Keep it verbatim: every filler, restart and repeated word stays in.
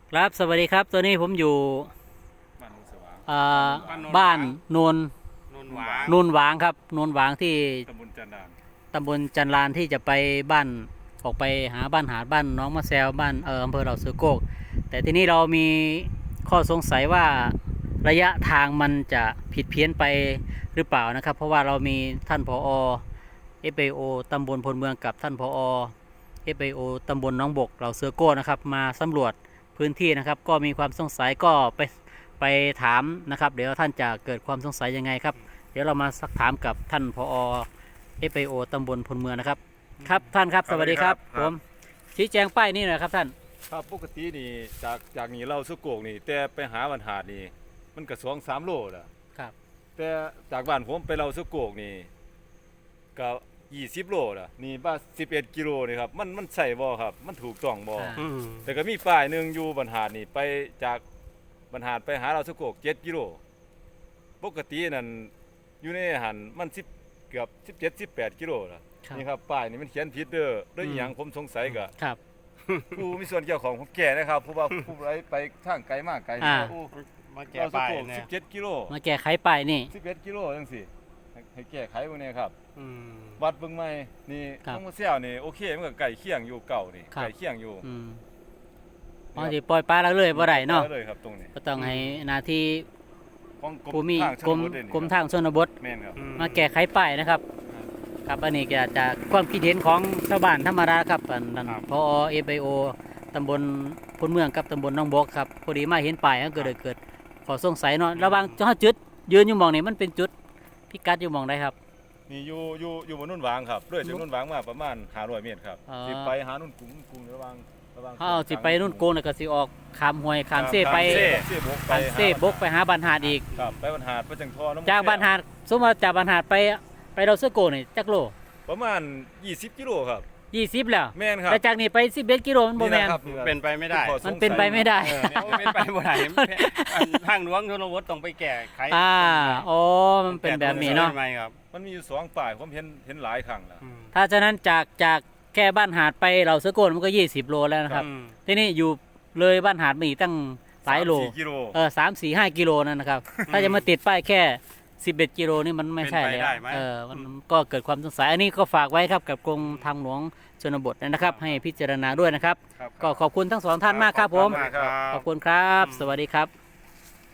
ครับสวัสดีครับตัวนี้ผมอยู่บ้านโนนสว่างอ่าบ้านโนนโนนหวางโนนหวางครับโนนหวางที่ตำบลจันดานตำบลจันลานที่จะไปบ้านออกไปหาบ้านหาดบ้านน้องมะแซวบ้านเอออำเภอเหล่าเสือโกกแต่ทีนี้เรามีข้อสงสัยว่าระยะทางมันจะผิดเพี้ยนไปหรือเปล่านะครับเพราะว่าเรามีท่านผอ เอฟ ไอ โอ ตำบลพลเมืองกับท่านผอ เอฟ ไอ โอ ตำบลหน้องบกเหล่าเสือโก้นะครับมาสำรวจพื้นที่นะครับก็มีความสงสัยก็ไปไปถามนะครับเดี๋ยวท่านจะเกิดความสงสัยยังไงครับเดี๋ยวเรามาสักถามกับท่านผอ เอฟ ไอ โอ ตำบลพลเมืองนะครับครับท่านครับสวัสดีครับผมชี้แจงป้ายนี่หน่อยครับท่านครับปกตินี่จากจากนี่เราสุโกกนี่แต่ไปหาวันหาดนี่มันก็สองสามโลละครับแต่จากบ้านผมไปเราสุโกกนี่ก็ยี่สิบโลละนี่บ้านสิบเอ็ดกิโลนี่ครับมันมันใส่บ่ครับมันถูกต้องบ่แต่ก็มีป้ายหนึ่งอยู่บรรหารนี่ไปจากบรรหารไปหาเราสุโกกเจ็ดกิโลปกตินั่นอยู่ในหันมันสิบเกือบสิบเจ็ดสิบแปดกิโลละนี่ครับป้ายนี่มันเขียนผิดเด้อด้วยอหย่างผมสงสัยก็ครับผู้มีส่วนเกี่ยวของผมแก่นะครับเพราะว่าผู้ไรไปทางไกลมากไกลอ่าผู้มาแก้เราสป้ายโกกเนี่สิยบเจ็ดกิโลมาแก้ไขป้ายนี่สิบเอ็ดกิโลจังสิให้ให้แก้ไขพวกนี้ครับอืมวัดเบิ่งใหม่นี่ครับต้องมาเสี่ยวนี่โอเคมันก็ไก่เคียงอยู่เก่านี่ครับไก่เคียงอยู่อืมบางทีปล่อยปลาแล้วเลยบ่ได้เนาะเลยครับตรงนี้ก็ต้องให้หนาที่ของกรผู้มมีทางชกรมนบทเลยนี่กรมทางชนบทแม่นครับอืมาแก้ไขป้ายนะครับ ครับอันนี้ก็จะความคิดเห็นของชาวบ้านธรรมดาครับอันนั้นพอเอฟไอโอตำบลพลเมืองกับตำบลหน้องบกครับพอดีมาเห็นป้ายก็เกิดเกิดขอสงสัยเนาะระหว่างเจ้าจุดยืนอยู่หมองนี่มันเป็นจุดพิกัดอยู่หมองใดครับนี่อยู่อยู่อยู่บนนุ่นหวางครับเรื่อยจากนุ่นหวางมาประมาณห้าร้อยเมตรครับอ๋อสิไปหานุ่นกรุงกรุงระหวังระหวังเฮาสิไปนู่นโกนแล้วก็สิออกขามห้วยขามเซ่ไปเซ่เซ่บกไปขามเซ่บกไปหาบ้านหาดอีกครับไปบรรหารไปจังทอน้ำจากบ้านหาดสมมติว่าจากบ้านหาดไปไปเราเสื้อโกนี่จักโลประมาณยี่สิบกิโลครับยี่สิบแล้วแม่นครับแต่จากนี้ไปสิบเอ็ดกิโลมันบ่แม่นครับเป็นไปไม่ได้ข้อสงสัยมันเป็นไปไม่ได้เออเนี่ยเป็นไปไม่ได้ทางหลวงชนบทต้องไปแก้ไขอ่าอ๋อมันเป็นแบบนี้เนาะทำไมครับมันมีอยู่สองฝ่ายผมเห็นเห็นหลายครั้งแล้วอืมถ้าฉะนั้นจากจากแค่บ้านหาดไปเราเสื้อโกนมันก็ยี่สิบโลแล้วนะครับอืมทีนี้อยู่เลยบ้านหาดมาอีกตั้งหลายโลสมสี่กิโลเออสามสี่ห้ากิโลนั่นนะครับ ถ้าจะมาติดป้ายแค่สิบเอ็ดกิโลนี่มันไม่ใช่เป็นไปแล้วได้ไหมเออมันก็เกิดความสงสัยอันนี้ก็ฝากไว้ครับกับกรมทางหลวงชนบทนะครับ ให้พิจารณาด้วยนะครับครับก็ขอบคุณทั้งสองท่านมากครับผมขอบคุณมากครับขอบคุณครับ สวัสดีครับ